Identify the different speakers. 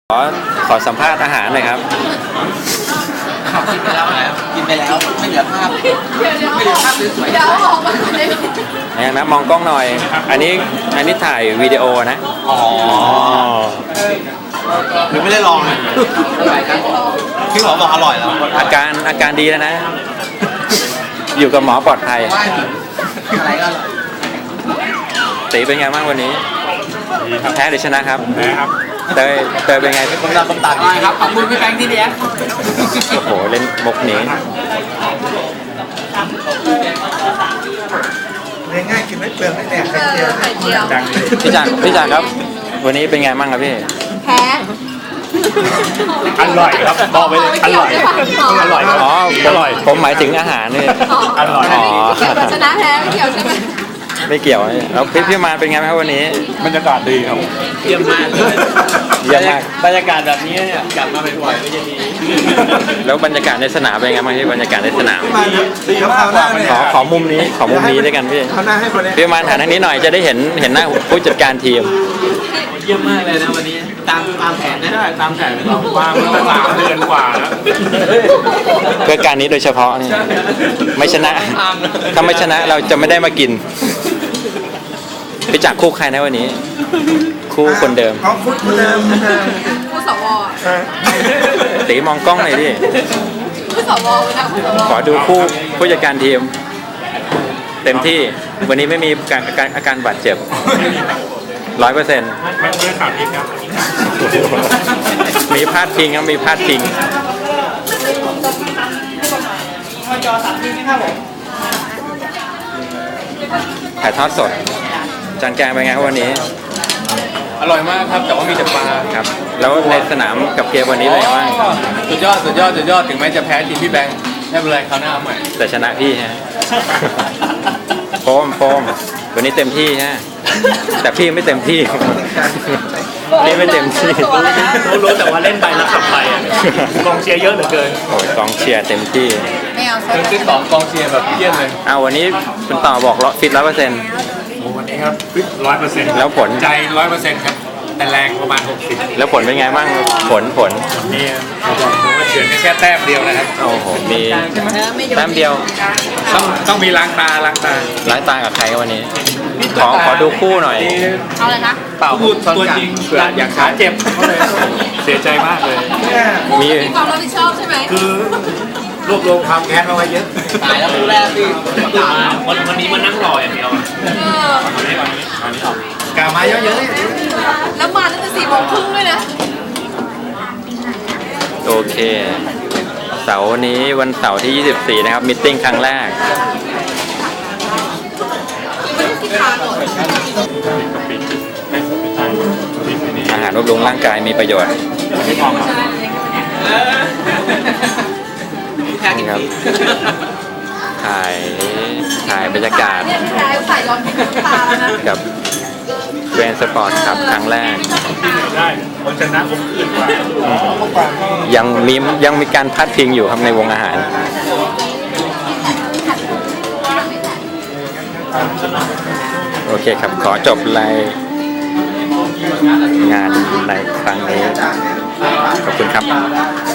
Speaker 1: ขอสัมภาษณ์อาหารหน่อยครับ
Speaker 2: กินไปแล้วนะครับกินไปแล้วไม่เหลือภาพไม่เหลือภาพสวยๆเดี๋ยวออกมาเลย
Speaker 1: อย่างนั้นมองกล้องหน่อยอันนี้ถ่ายวิดีโอนะ
Speaker 2: อ๋อหรือไม่ได้ลองเลยพี่หมอบอกอร่อยแล้ว
Speaker 1: อาการดีแล้วนะอยู่กับหมอปลอดภัย
Speaker 2: อะไรก็อร่อย
Speaker 1: ตีเป็นไงบ้างวันนี้แพ้หรือชนะครับ
Speaker 3: แพ้ครับ
Speaker 1: เตยเป็นไง
Speaker 2: ผมตัดครับขอบคุณพี่แบงค์ที่เลี้ยง
Speaker 1: โอ้โหเล่นมุกนี้
Speaker 3: เลี้ยงง่ายกินไม่เปลืองไม่แตก
Speaker 4: ไข่เจียว
Speaker 1: พี่จักรครับวันนี้เป็นไงบ้างครับพี่
Speaker 4: แพ้
Speaker 3: อร่อยครับบอกไปเลยอร่อยอร่อย
Speaker 1: อ๋ออร่อยผมหมายถึงอาหารนี่
Speaker 3: อร่อย
Speaker 1: อ๋อ
Speaker 4: ชนะแพ้ไม่เกี่ยวใช่ไหม
Speaker 1: ไม่เกี่ยวแล้วพี่มาเป็นไงครับวันนี้
Speaker 3: บรรยากาศดีครับ
Speaker 2: เยี่ยมมากเลย
Speaker 1: เยี่ยมมาก
Speaker 2: บรรยากาศแบบนี้เนี่ยกลับมาบ่อยๆก็จะดี
Speaker 1: แล้วบรรยากาศในสนามเป็นไงบ้างพี่บรรยากาศในสนาม
Speaker 3: ดีมาก
Speaker 1: ขอมุมนี้ด้วยกันพี่พี่มาถ่ายทางนี้หน่อยจะได้เห็นหน้าผู้จัดการทีม
Speaker 2: เยี่ยมมากเลยนะวันนี้ตามแผนได้ตามแผนเรา
Speaker 3: วางมา3 เดือนกว่าแล้ว
Speaker 1: เพื่อการนี้โดยเฉพาะนี่ไม่ชนะถ้าไม่ชนะเราจะไม่ได้มากินไปจากคู่ใครนะวันนี้คู่คนเดิม
Speaker 3: คนเดิม
Speaker 4: คู่สว
Speaker 1: ตีมองกล้องหน่อยดิ
Speaker 4: คู่สวนะคู่สว
Speaker 1: ขอดูคู่ผู้จัดการทีมเต็มที่วันนี้ไม่มีอาการบาดเจ็บ100%
Speaker 3: ไม่ขาดอีกครับ
Speaker 1: มีพลาดพิงครับมีพลาดพิง
Speaker 2: จอ3 ทีนะครับผม
Speaker 1: ถ่ายทอดสดจานแกงเป็นไงครับวันนี้
Speaker 2: อร่อยมากครับแต่ว่ามีแต่ปลา
Speaker 1: ครับแล้วในสนามกับเกมวันนี้เป็นไงบ้าง
Speaker 2: สุดยอดถึงแม้จะแพ้ทีมพี่แบงค์ไม่เป็นไรคราวหน้าเอาใหม่
Speaker 1: แต่ชนะพี่ฮะโฟมวันนี้เต็มที่ฮะแต่พี่ไม่เต็มที่พี่ไม่เต็มที่
Speaker 3: รู้แต่ว่าเล่นไปแล้วขับไปกองเชียร์เยอะเหลือเกิน
Speaker 1: โอ้ยกองเชียร์เต็มที่
Speaker 4: ไม่เอา
Speaker 2: ฟิต2 กองเชียร์แบบเยี่ยมเลย
Speaker 1: วันนี้คุณต่อบอกฟิต100%
Speaker 3: วันนี้ครับฟิต100%
Speaker 1: แล้วผล
Speaker 3: ใจ100%ครับแต่แรงประมาณ60
Speaker 1: แล้วผลเป็นไงบ้างผล
Speaker 3: นี่ผมว่าเฉือนแค่แต้มเดียวนะครับ
Speaker 1: โอ้โหมีแต้มเดียว
Speaker 3: ต้องมีล้างตา
Speaker 1: กับใครวันนี้ขอดูคู่หน่อย
Speaker 4: เอาเลยนะ
Speaker 3: เปล่าตัวจริงอยากขาเจ็บเสียใจมากเลย
Speaker 4: มีความรับผิดชอบใช่ไหม
Speaker 3: คือรวบรวมความแค้นมาไว้เยอะ
Speaker 2: ตายแล้วคู่แรกพี่วันนี้มันนั่งรออย่างเดียว
Speaker 3: วันนี้กามาเยอะ
Speaker 4: ๆแล้วมาตั้งแต่4 โมงครึ่งด้วยนะ
Speaker 1: โอเคเสาร์นี้วันเสาร์ที่24นะครับมีตติ้งครั้งแรกอาหารบำรุงร่างกายมีประโยชน์นี่ครับถ่ายบรรยากาศกับเวนสปอร์ตครับครั้งแรก
Speaker 3: คนชนะผมอื่นกว่า
Speaker 1: ยังมีการพัดพิงอยู่ครับในวงอาหารโอเคครับขอจบรายงานในครั้งนี้ขอบคุณครับ